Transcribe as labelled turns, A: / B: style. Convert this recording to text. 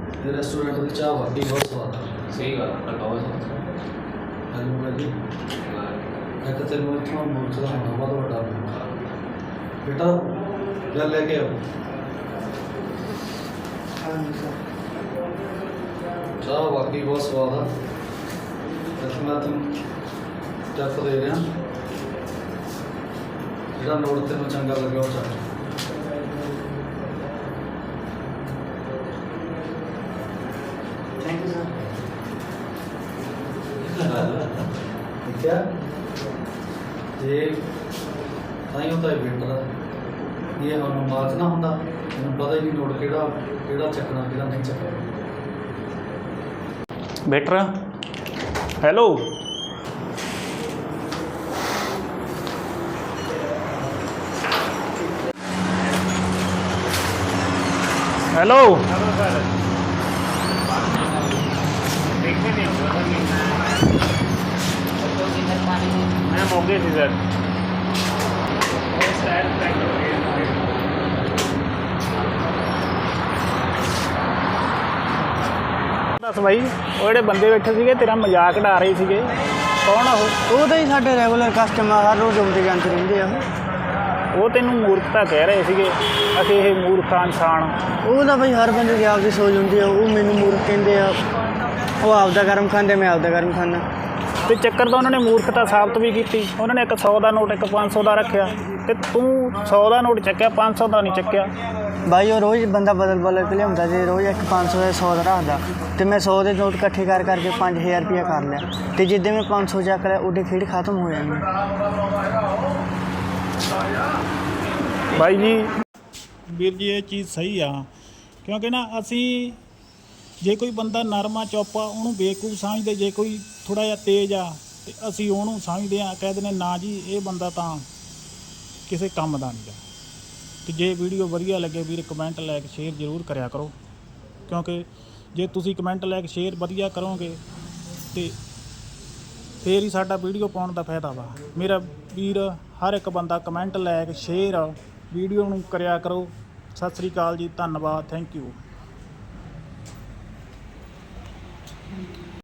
A: ये रेस्टोरेंट की चाह वाकई बहुत स्वाद है।
B: सही गल कटाओ
A: हेलो भाजी मैं तो तेन इतना मूर्ख का होना बहुत बड़ा बेटा गल लेके आओ चाह वाकई बहुत स्वाद है। वैसे मैं तुम टैप दे रहा जो नोट तेन चंगा लगे वो चाह
C: थैंक यू सर।
A: ठीक है ये ताई होता है वेटर ये हम मार्च ना होंगे मैं पता ही नहीं नोट कि चकना कि नहीं चकना।
D: वेटर हेलो हेलो मैं मोगे थी सर दस भाई वो ਜਿਹੜੇ ਬੰਦੇ ਬੈਠੇ ਸੀਗੇ ਤੇਰਾ ਮਜ਼ਾਕ ਉਡਾ ਰਹੇ ਸੀਗੇ ਕੌਣ ਆ
C: ਉਹ ਤਾਂ ਹੀ ਸਾਡੇ ਰੈਗੂਲਰ ਕਸਟਮਰ ਹਰ ਰੋਜ਼ ਆਉਂਦੇ ਜਾਂਦੇ ਰਹਿੰਦੇ ਆ
D: ਉਹ ਤੈਨੂੰ ਮੂਰਖਤਾ ਕਹਿ ਰਹੇ ਸੀਗੇ ਅਸੀਂ ਇਹ ਮੂਰਖਾਂ ਇਨਸਾਨ
C: ਉਹ ਤਾਂ ਬਈ ਹਰ ਬੰਦੇ ਦੀ ਆਪਦੀ ਸੋਚ ਹੁੰਦੀ ਆ ਉਹ ਮੈਨੂੰ ਮੂਰਖ ਕਹਿੰਦੇ ਆ ਉਹ ਆਪਦਾ ਗਰਮ ਖਾਂਦੇ ਮੈਂ ਆਪਦਾ ਗਰਮ ਖਾਂਦਾ
D: ਤੇ ਚੱਕਰ ਤਾਂ ਉਹਨਾਂ ਨੇ ਮੂਰਖਤਾ ਸਾਬਤ ਵੀ ਕੀਤੀ ਉਹਨਾਂ ਨੇ ਇੱਕ 100 ਦਾ ਨੋਟ ਇੱਕ 500 ਦਾ ਰੱਖਿਆ ਤੇ ਤੂੰ 100 ਦਾ ਨੋਟ ਚੱਕਿਆ 500 ਦਾ ਨਹੀਂ ਚੱਕਿਆ
C: ਬਾਈ ਉਹ ਰੋਜ਼ ਬੰਦਾ ਬਦਲ ਕੇ ਲਿਆਉਂਦਾ ਜੇ ਰੋਜ਼ ਇੱਕ 500 ਦਾ 100 ਦਾ ਰੱਖਦਾ ਤੇ ਮੈਂ 100 ਦੇ ਨੋਟ ਇਕੱਠੇ ਕਰਕੇ 5000 ਰੁਪਇਆ ਕਰ ਲਿਆ ਤੇ ਜਿੱਦੇ ਮੈਂ 500 ਚੱਕ ਲਿਆ ਉਹਦੇ ਖੇਡ ਖਤਮ ਹੋ ਜਾਣੀ।
D: ਬਾਈ ਜੀ ਵੀਰ ਜੀ ਇਹ ਚੀਜ਼ ਸਹੀ ਆ ਕਿਉਂਕਿ ਨਾ ਅਸੀਂ ਜੇ ਕੋਈ ਬੰਦਾ ਨਰਮਾ ਚੌਪਾ ਉਹਨੂੰ ਬੇਵਕੂਫ ਸਮਝਦੇ ਜੇ ਕੋਈ ਥੋੜ੍ਹਾ ਜਿਹਾ ਤੇਜ਼ ਆ ਤੇ ਅਸੀਂ ਉਹਨੂੰ ਸਮਝਦੇ ਹਾਂ ਕਹਿ ਦਿੰਦੇ ਨਾ ਜੀ ਇਹ ਬੰਦਾ ਤਾਂ ਕਿਸੇ ਕੰਮ ਦਾ ਨਹੀਂ ਗਾ। ਤੇ ਜੇ ਵੀਡੀਓ ਵਧੀਆ ਲੱਗੇ ਵੀਰ ਕਮੈਂਟ ਲਾਇਕ ਸ਼ੇਅਰ ਜ਼ਰੂਰ ਕਰਿਆ ਕਰੋ ਕਿਉਂਕਿ ਜੇ ਤੁਸੀਂ ਕਮੈਂਟ ਲਾਇਕ ਸ਼ੇਅਰ ਵਧੀਆ ਕਰੋਗੇ ਤੇ ਫੇਰ ਹੀ ਸਾਡਾ ਵੀਡੀਓ ਪਾਉਣ ਦਾ ਫਾਇਦਾ ਵਾ। ਮੇਰਾ ਵੀਰ ਹਰ ਇੱਕ ਬੰਦਾ ਕਮੈਂਟ ਲਾਇਕ ਸ਼ੇਅਰ ਵੀਡੀਓ ਨੂੰ ਕਰਿਆ ਕਰੋ। ਸਤਿ ਸ੍ਰੀ ਅਕਾਲ ਜੀ, ਧੰਨਵਾਦ, ਥੈਂਕ ਯੂ।